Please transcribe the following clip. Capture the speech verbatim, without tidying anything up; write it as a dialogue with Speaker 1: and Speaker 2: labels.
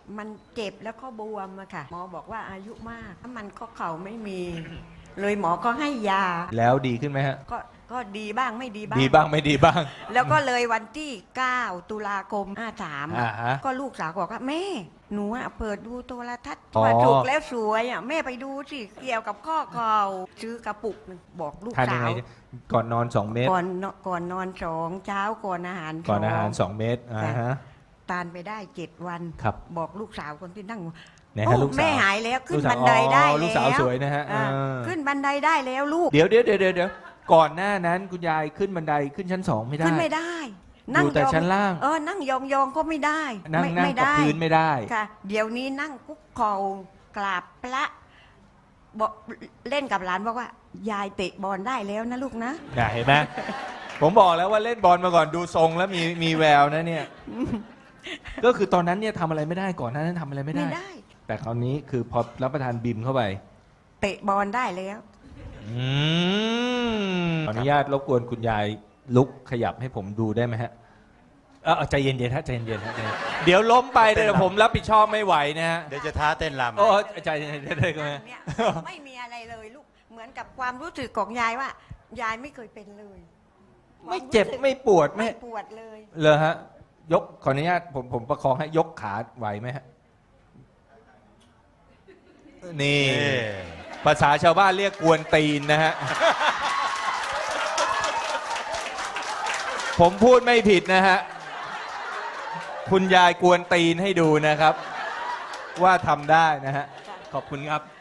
Speaker 1: มันเจ็บแล้วก็บวมอะค่ะหมอบอกว่าอายุมากถ้ามันก็เข่าไม่มี เลยหมอก็ให้ยา
Speaker 2: แล้วดีขึ้นไหมฮะ
Speaker 1: ก็ก็ดีบ้างไม่ดีบ้าง
Speaker 2: ดีบ้างไม่ดีบ้าง
Speaker 1: แล้วก็เลยวันที่เก้าตุลาคมห้าสาม
Speaker 2: อ่าฮะ
Speaker 1: ก็ลูกสาวบอกว่าแม่หนูอะเปิดดูโทรทัศน์
Speaker 2: อ๋อ
Speaker 1: ว่าถูกแล้วสวยอะแม่ไปดูสิเกี่ยวกับข้อเข่าซื้อกระปุกหนึ่งบอกลูก
Speaker 2: ทานยั
Speaker 1: สาง
Speaker 2: ไง
Speaker 1: ว
Speaker 2: ก่อนนอนสองเม็ด
Speaker 1: ก่อนนอนก่อนนอนสองเช้าก่อนอาหาร
Speaker 2: ก่อนอาหาร
Speaker 1: ส
Speaker 2: ส
Speaker 1: อง
Speaker 2: องเม็ดอ่าฮะ
Speaker 1: ทานไปได้เจ็ดวัน
Speaker 2: ครับ
Speaker 1: บอกลูกสาวคนที่นั่ง
Speaker 2: ไหนฮะ
Speaker 1: โอ้
Speaker 2: ลูกสาว
Speaker 1: แม่หายแล้วขึ้น
Speaker 2: ลูกสาว
Speaker 1: บันไดได้
Speaker 2: อ๋อ
Speaker 1: แล้ว
Speaker 2: ลูกสาวสวยนะฮะ
Speaker 1: อ่า
Speaker 2: เออ
Speaker 1: ขึ้นบันไดได้แล้วลูก
Speaker 2: เดี๋ยวเดี๋ยวเดี๋ยวเดี๋ยวเดี๋ยวก่อนหน้านั้นคุณยายขึ้นบันไดขึ้นชั้นสองไม่ได้
Speaker 1: ขึ้นไม่ได้
Speaker 2: อยู่แต่
Speaker 1: ยอง
Speaker 2: ชั้นล่าง
Speaker 1: เออนั่งยองยองๆก็ไม่ได้
Speaker 2: นั่ง
Speaker 1: ไม่
Speaker 2: นั่ง
Speaker 1: ไม่
Speaker 2: กับ
Speaker 1: ได้
Speaker 2: พื้นไม่ได้
Speaker 1: ค่ะ เดี๋ยวนี้นั่งคุกเข่ากราบพระบอกเล่นกับหลานบอกว่า ยายเตะบอลได้แล้วนะลูกนะ
Speaker 2: น่ะเห็นไหม ผมบอกแล้วว่าเล่นบอลมาก่อนดูทรงแล้วมีมีแววนะเนี่ย ก็คือตอนนั้นเนี่ยทำอะไรไม่ได้ก่อนหน้านั้นทำอะไรไม่ได้
Speaker 1: ไม่ได้
Speaker 2: แต่คราวนี้คือพอรับประทานบิมเข้าไป
Speaker 1: เตะบอลได้แล้ว
Speaker 2: อืมขออนุญาตรบกวนคุณยายลุกขยับให้ผมดูได้ไหมฮะเออใจเย็นๆฮะใจเย็นๆฮะใจเย็นเดี๋ยวล้มไปเดี๋ยวผมรับผิดชอบไม่ไหวนะฮะ
Speaker 3: เดี๋ยวจะท้าเต้นรำ
Speaker 2: โอ้ใจเย็นๆได้ไหม
Speaker 1: เนี่ยไม่มีอะไรเลยลูกเหมือนกับความรู้สึกของยายว่า ยายไม่เคยเป็นเลย
Speaker 2: ไม่เจ็บไม่ปวด
Speaker 1: ไม่
Speaker 2: ไม่
Speaker 1: ปวดเลย
Speaker 2: เลยฮะ ยกขออนุญาตผมผมประคองให้ยกขาไหวไหมฮะ นี่
Speaker 3: นี่
Speaker 2: ภาษาชาวบ้านเรียกกวนตีนนะฮะ ผมพูดไม่ผิดนะฮะ คุณยายกวนตีนให้ดูนะครับ ว่าทำได้นะฮะ ขอบคุณครับ